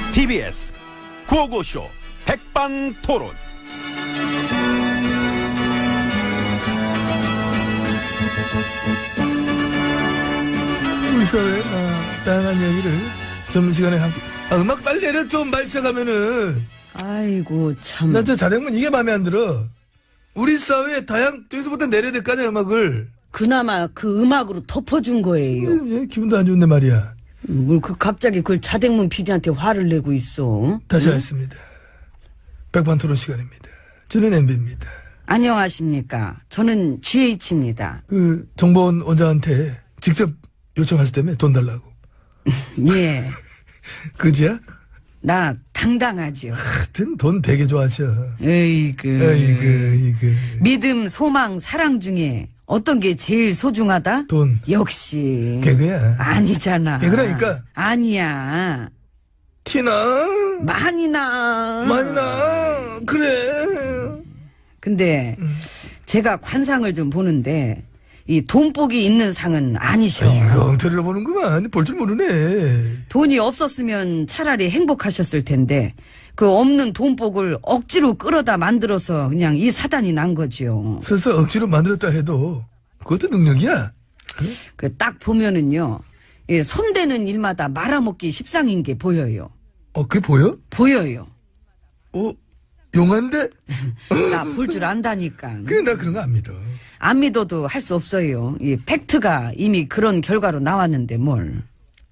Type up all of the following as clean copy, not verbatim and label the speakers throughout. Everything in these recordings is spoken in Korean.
Speaker 1: TBS 구호고쇼 백반토론.
Speaker 2: 우리 사회의 다양한 이야기를 점심시간에 함께. 음악 빨리 내려. 좀 말 시작하면은.
Speaker 3: 아이고 참.
Speaker 2: 난 저 자댕문 이게 마음에 안 들어. 우리 사회의 다양 저기서부터 내려야 될 거 아니야 음악을.
Speaker 3: 그나마 그 음악으로 덮어준 거예요.
Speaker 2: 예, 기분도 안 좋은데 말이야.
Speaker 3: 뭘 갑자기 그걸 자댕문 PD한테 화를 내고 있어.
Speaker 2: 다시 하겠습니다. 백반토론 시간입니다. 저는 MB입니다.
Speaker 3: 안녕하십니까. 저는 GH입니다.
Speaker 2: 그 정보원 원장한테 직접 요청하셨다며 돈 달라고.
Speaker 3: 예.
Speaker 2: 그지야?
Speaker 3: 나 당당하죠.
Speaker 2: 하여튼 돈 되게 좋아하셔.
Speaker 3: 에이그.
Speaker 2: 이그.
Speaker 3: 믿음, 소망, 사랑 중에 어떤 게 제일 소중하다?
Speaker 2: 돈.
Speaker 3: 역시.
Speaker 2: 개그야.
Speaker 3: 아니잖아.
Speaker 2: 개그라니까.
Speaker 3: 아니야.
Speaker 2: 티나?
Speaker 3: 많이 나.
Speaker 2: 그래.
Speaker 3: 근데 제가 관상을 좀 보는데 이 돈복이 있는 상은 아니셔.
Speaker 2: 이거 엉터리로 보는구만. 볼 줄 모르네.
Speaker 3: 돈이 없었으면 차라리 행복하셨을 텐데 그 없는 돈복을 억지로 끌어다 만들어서 그냥 이 사단이 난 거지요.
Speaker 2: 설사 억지로 만들었다 해도 그것도 능력이야.
Speaker 3: 그 딱 보면은요. 이 손대는 일마다 말아먹기 십상인 게 보여요.
Speaker 2: 그게 보여?
Speaker 3: 보여요.
Speaker 2: 용한데?
Speaker 3: 나 볼 줄 안다니까.
Speaker 2: 그래, 나 그런 거 안 믿어.
Speaker 3: 안 믿어도 할 수 없어요. 이 팩트가 이미 그런 결과로 나왔는데 뭘.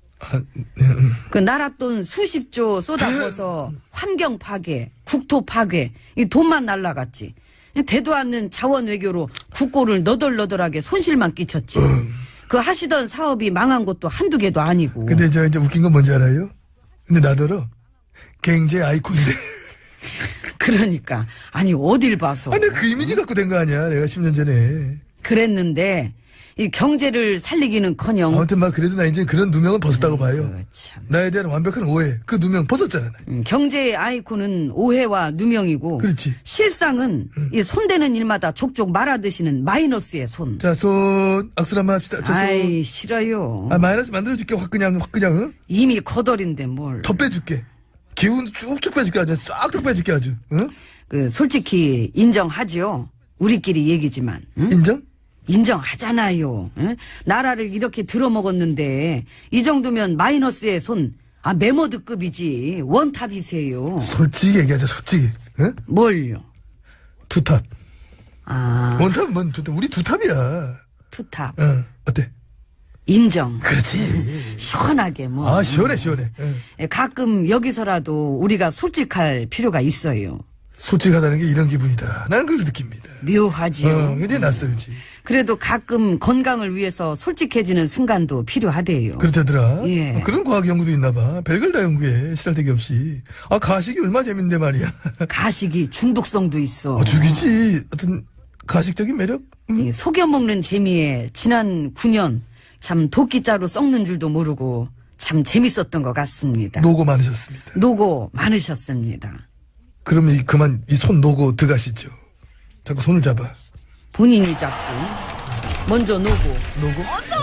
Speaker 3: 그 나라 돈 수십조 쏟아부어서 환경 파괴, 국토 파괴, 이 돈만 날라갔지. 되도 않는 자원 외교로 국고를 너덜너덜하게 손실만 끼쳤지. 그 하시던 사업이 망한 것도 한두 개도 아니고.
Speaker 2: 근데 저 이제 웃긴 건 뭔지 알아요? 근데 나더러 경제 아이콘인데.
Speaker 3: 그러니까 아니 어딜 봐서.
Speaker 2: 아니 그 이미지 갖고 된 거 아니야. 내가 10년 전에.
Speaker 3: 그랬는데 이 경제를 살리기는커녕.
Speaker 2: 아무튼 막 그래도 나 이제 그런 누명은 벗었다고 봐요.
Speaker 3: 참.
Speaker 2: 나에 대한 완벽한 오해. 그 누명 벗었잖아.
Speaker 3: 경제의 아이콘은 오해와 누명이고.
Speaker 2: 그렇지.
Speaker 3: 실상은 이 손대는 일마다 족족 말아드시는 마이너스의 손.
Speaker 2: 자, 손 악수 한번 합시다. 자, 손.
Speaker 3: 아이 싫어요.
Speaker 2: 마이너스 만들어줄게. 확 그냥 응?
Speaker 3: 이미 거덜인데 뭘.
Speaker 2: 더 빼줄게. 기운 쭉쭉 빼줄게. 아주 싹둑 빼줄게 아주. 응?
Speaker 3: 그 솔직히 인정하죠. 우리끼리 얘기지만. 응?
Speaker 2: 인정?
Speaker 3: 인정하잖아요. 응? 나라를 이렇게 들어먹었는데 이 정도면 마이너스의 손. 메모드급이지. 원탑이세요.
Speaker 2: 솔직히 얘기하자. 솔직히. 응?
Speaker 3: 뭘요?
Speaker 2: 투탑.
Speaker 3: 원탑은
Speaker 2: 뭔 투탑? 우리 투탑이야.
Speaker 3: 투탑.
Speaker 2: 어때?
Speaker 3: 인정.
Speaker 2: 그렇지.
Speaker 3: 시원하게 뭐.
Speaker 2: 시원해.
Speaker 3: 가끔 여기서라도 우리가 솔직할 필요가 있어요.
Speaker 2: 솔직하다는 게 이런 기분이다. 나는 그걸 느낍니다.
Speaker 3: 묘하지요.
Speaker 2: 굉장히 낯설지.
Speaker 3: 그래도 가끔 건강을 위해서 솔직해지는 순간도 필요하대요.
Speaker 2: 그렇다더라.
Speaker 3: 예.
Speaker 2: 그런 과학 연구도 있나 봐. 별걸 다 연구해. 시달대기 없이. 가식이 얼마나 재밌는데 말이야.
Speaker 3: 가식이 중독성도 있어.
Speaker 2: 죽이지. 어떤 가식적인 매력?
Speaker 3: 이 속여 먹는 재미에 지난 9년 참 도끼자루 썩는 줄도 모르고 참 재밌었던 것 같습니다.
Speaker 2: 노고 많으셨습니다.
Speaker 3: 노고 많으셨습니다.
Speaker 2: 그러면 그만 이 손 노고 들어가시죠. 자꾸 손을 잡아.
Speaker 3: 본인이 잡고 먼저 노고.
Speaker 2: 노고?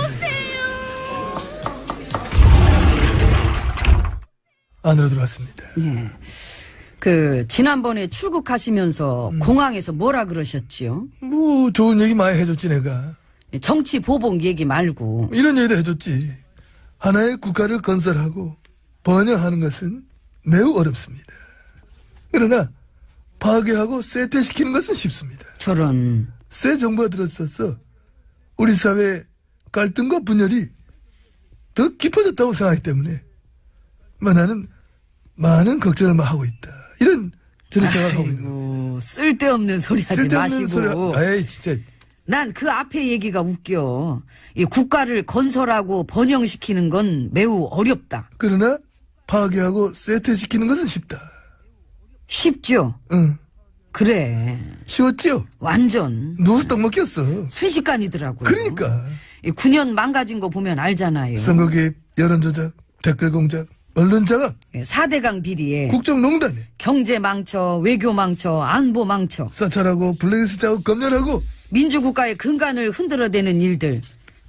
Speaker 2: 안으로 들어왔습니다.
Speaker 3: 예. 지난번에 출국하시면서 공항에서 뭐라 그러셨지요?
Speaker 2: 뭐 좋은 얘기 많이 해줬지 내가.
Speaker 3: 정치 보복 얘기 말고.
Speaker 2: 이런 얘기도 해줬지. 하나의 국가를 건설하고 번영하는 것은 매우 어렵습니다. 그러나 파괴하고 쇠퇴시키는 것은 쉽습니다.
Speaker 3: 저런.
Speaker 2: 새 정부가 들었어서 우리 사회의 갈등과 분열이 더 깊어졌다고 생각하기 때문에 나는 많은 걱정을 하고 있다. 이런 저는 생각을 하고 있는 겁니다.
Speaker 3: 쓸데없는 소리 하지 마시고.
Speaker 2: 아이 진짜.
Speaker 3: 난 그 앞에 얘기가 웃겨. 이 국가를 건설하고 번영시키는 건 매우 어렵다.
Speaker 2: 그러나 파괴하고 쇠퇴시키는 것은 쉽다.
Speaker 3: 쉽죠?
Speaker 2: 응.
Speaker 3: 그래.
Speaker 2: 쉬웠지요?
Speaker 3: 완전.
Speaker 2: 누워서 떡 먹겠어.
Speaker 3: 순식간이더라고요.
Speaker 2: 그러니까.
Speaker 3: 9년 망가진 거 보면 알잖아요.
Speaker 2: 선거 개입, 여론조작, 댓글 공작, 언론 장악,
Speaker 3: 4대강 비리에
Speaker 2: 국정농단에
Speaker 3: 경제 망쳐, 외교 망쳐, 안보 망쳐,
Speaker 2: 사찰하고 블랙리스트 작업 검열하고
Speaker 3: 민주국가의 근간을 흔들어대는 일들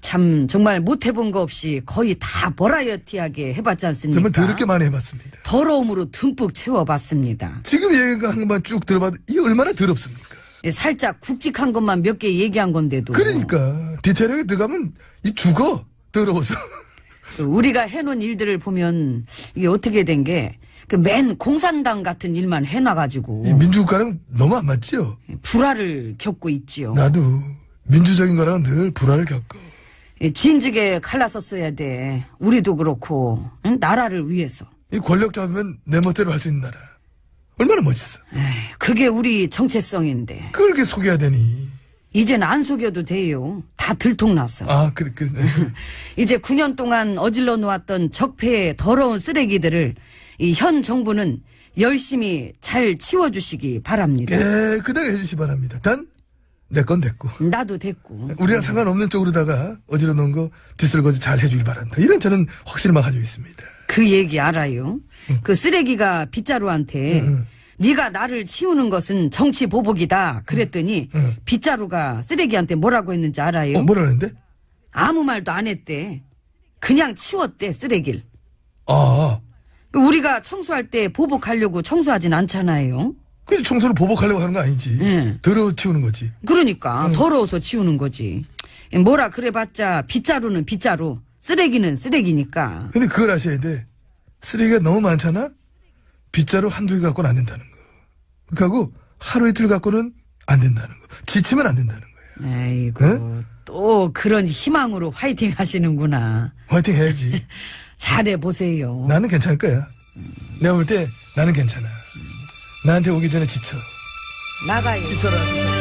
Speaker 3: 참 정말 못 해본 거 없이 거의 다 버라이어티하게 해봤지 않습니까?
Speaker 2: 정말 더럽게 많이 해봤습니다.
Speaker 3: 더러움으로 듬뿍 채워봤습니다.
Speaker 2: 지금 얘기한 것만 쭉 들어봐도 이게 얼마나 더럽습니까?
Speaker 3: 살짝 굵직한 것만 몇 개 얘기한 건데도.
Speaker 2: 그러니까 디테일하게 들어가면 이 죽어 더러워서.
Speaker 3: 우리가 해놓은 일들을 보면 이게 어떻게 된 게 그 맨 공산당 같은 일만 해놔가지고
Speaker 2: 이 민주국가랑 너무 안 맞지요?
Speaker 3: 불화를 겪고 있지요.
Speaker 2: 나도 민주적인 거랑 늘 불화를 겪어.
Speaker 3: 진즉에 갈라섰어야 돼. 우리도 그렇고 응? 나라를 위해서.
Speaker 2: 이 권력 잡으면 내 멋대로 할 수 있는 나라. 얼마나 멋있어.
Speaker 3: 그게 우리 정체성인데
Speaker 2: 그걸 이렇게 속여야 되니.
Speaker 3: 이제는 안 속여도 돼요. 다 들통났어.
Speaker 2: 아, 그래.
Speaker 3: 이제 9년 동안 어질러 놓았던 적폐의 더러운 쓰레기들을 이 현 정부는 열심히 잘 치워주시기 바랍니다.
Speaker 2: 깨끗하게 해주시 바랍니다. 단, 내 건 됐고.
Speaker 3: 나도 됐고.
Speaker 2: 우리랑 상관없는 쪽으로다가 어지러 놓은 거 뒷설거지 잘 해주길 바란다. 이런 저는 확신을 가지고 있습니다.
Speaker 3: 그 얘기 알아요? 그 쓰레기가 빗자루한테 네가 나를 치우는 것은 정치 보복이다 그랬더니 빗자루가 쓰레기한테 뭐라고 했는지 알아요?
Speaker 2: 뭐라는데?
Speaker 3: 아무 말도 안 했대. 그냥 치웠대 쓰레기를.
Speaker 2: 아,
Speaker 3: 우리가 청소할 때 보복하려고 청소하진 않잖아요.
Speaker 2: 그래서 청소를 보복하려고 하는 거 아니지.
Speaker 3: 응.
Speaker 2: 더러워 치우는 거지.
Speaker 3: 그러니까 더러워서 치우는 거지. 뭐라 그래봤자 빗자루는 빗자루, 쓰레기는 쓰레기니까.
Speaker 2: 근데 그걸 아셔야 돼. 쓰레기가 너무 많잖아? 빗자루 한두 개 갖고는 안 된다는 거. 그하고 하루 이틀 갖고는 안 된다는 거. 지치면 안 된다는 거야.
Speaker 3: 아이고
Speaker 2: 응?
Speaker 3: 또 그런 희망으로 화이팅 하시는구나.
Speaker 2: 화이팅 해야지.
Speaker 3: 잘해보세요.
Speaker 2: 나는 괜찮을 거야. 내가 볼 때 나는 괜찮아. 나한테 오기 전에 지쳐.
Speaker 3: 나가요.
Speaker 2: 지쳐라.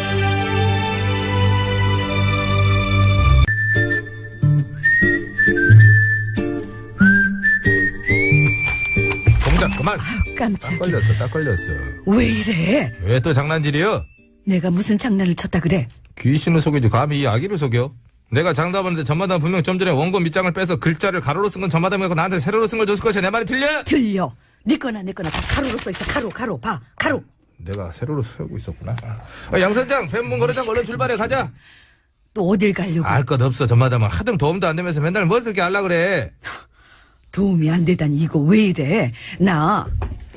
Speaker 4: 동작 그만. 딱
Speaker 3: 깜짝이야.
Speaker 4: 걸렸어, 딱 걸렸어.
Speaker 3: 왜 이래?
Speaker 4: 왜 또 장난질이여?
Speaker 3: 내가 무슨 장난을 쳤다 그래?
Speaker 4: 귀신을 속이지 감히 이 아기를 속여? 내가 장담하는데 전마담 분명 좀 전에 원고 밑장을 빼서 글자를 가로로 쓴 건 전마담이고 나한테 세로로 쓴 걸 줬을 것이야. 내 말이 틀려?
Speaker 3: 들려. 네 거나 내 거나 다 가로로 써있어. 가로 봐. 가로.
Speaker 4: 내가 세로로 쓰고 있었구나. 양 선장, 뱀문 거래장 얼른 출발해 가자.
Speaker 3: 또 어딜 가려고.
Speaker 4: 알 것 없어. 전마담은 하등 도움도 안 되면서 맨날 뭐 어떻게 하려 그래.
Speaker 3: 도움이 안 되다니 이거 왜 이래? 나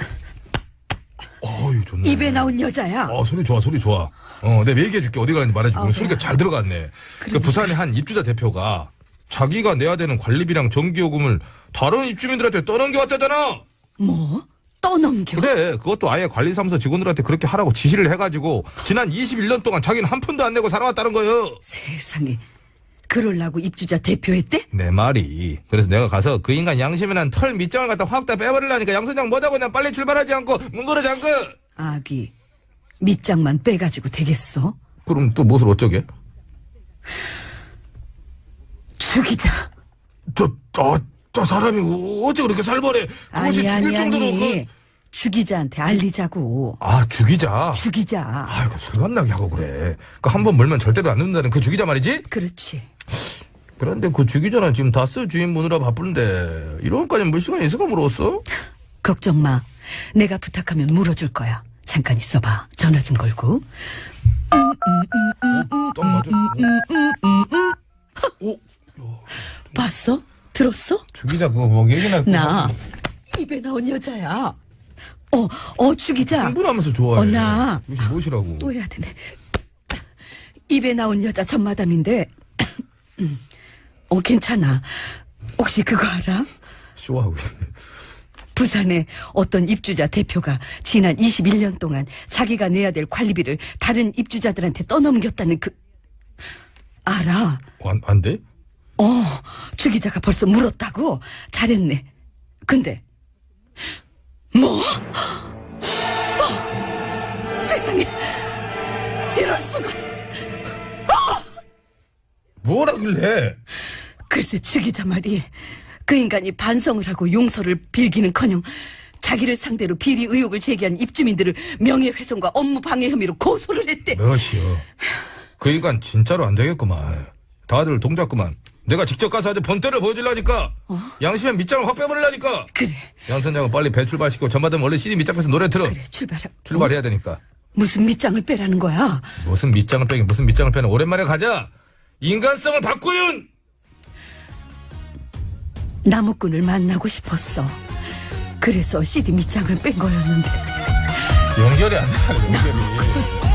Speaker 4: 어유 좋네.
Speaker 3: 입에 나온 여자야.
Speaker 4: 소리 좋아, 소리 좋아. 내가 얘기해줄게. 어디 가는지 말해줄게.
Speaker 3: 그래.
Speaker 4: 소리가 잘 들어갔네. 그 부산의 한 입주자 대표가 자기가 내야 되는 관리비랑 전기요금을 다른 입주민들한테 떠넘겨왔다잖아.
Speaker 3: 뭐? 떠넘겨?
Speaker 4: 그래, 그것도 아예 관리사무소 직원들한테 그렇게 하라고 지시를 해가지고 지난 21년 동안 자기는 한 푼도 안 내고 살아왔다는 거예요.
Speaker 3: 세상에. 그럴라고 입주자 대표했대?
Speaker 4: 내 말이. 그래서 내가 가서 그 인간 양심에 난 털 밑장을 갖다 확 다 빼버리려니까 양선장 뭐다고 그냥 빨리 출발하지 않고 문거래 잠그.
Speaker 3: 아기. 밑장만 빼가지고 되겠어?
Speaker 4: 그럼 또 무엇을 어쩌게?
Speaker 3: 죽이자.
Speaker 4: 저 사람이 어째 그렇게 살벌해? 그것이 죽일 정도로
Speaker 3: 죽이자한테 알리자고.
Speaker 4: 죽이자.
Speaker 3: 죽이자.
Speaker 4: 아이고 술맛나게 하고 그래. 그 한 번 물면 절대로 안 눕는다는 그 죽이자 말이지?
Speaker 3: 그렇지.
Speaker 4: 그런데 그 죽이자는 지금 다스 주인 보느라 바쁜데 이런까지 물 시간이 있을까 물었어?
Speaker 3: 걱정 마. 내가 부탁하면 물어줄 거야. 잠깐 있어봐. 전화 좀 걸고.
Speaker 4: 딱 맞아.
Speaker 3: 봤어? 들었어?
Speaker 4: 죽이자 그거 뭐 얘기나.
Speaker 3: 나 입에 나온 여자야. 죽이자.
Speaker 4: 흥분하면서 좋아해.
Speaker 3: 나
Speaker 4: 이것이 무엇이라고?
Speaker 3: 또 해야 되네. 입에 나온 여자 전마담인데 괜찮아. 혹시 그거 알아?
Speaker 4: 쇼하고 있네.
Speaker 3: 부산의 어떤 입주자 대표가 지난 21년 동안 자기가 내야 될 관리비를 다른 입주자들한테 떠넘겼다는 알아?
Speaker 4: 안 돼?
Speaker 3: 주기자가 벌써 물었다고? 잘했네. 근데 뭐? 세상에 이럴 수가.
Speaker 4: 뭐라길래?
Speaker 3: 글쎄 주기자 말이 그 인간이 반성을 하고 용서를 빌기는커녕 자기를 상대로 비리 의혹을 제기한 입주민들을 명예훼손과 업무 방해 혐의로 고소를 했대.
Speaker 4: 몇이요? 그 인간 진짜로 안 되겠구만. 다들 동작구만. 내가 직접 가서 아주 본때를 보여주려니까. 양심의 밑장을 확 빼버리려니까.
Speaker 3: 그래.
Speaker 4: 양 선장은 빨리 배 출발시키고 전마담 얼른 CD 밑장 빼서 노래 틀어.
Speaker 3: 그래
Speaker 4: 출발해야 되니까.
Speaker 3: 무슨 밑장을 빼라는 거야?
Speaker 4: 무슨 밑장을 빼긴 무슨 밑장을 빼는. 오랜만에 가자. 인간성을 바꾸윤.
Speaker 3: 나무꾼을 만나고 싶었어. 그래서 CD 밑장을 뺀 거였는데.
Speaker 4: 연결이 안 되잖아, 연결이.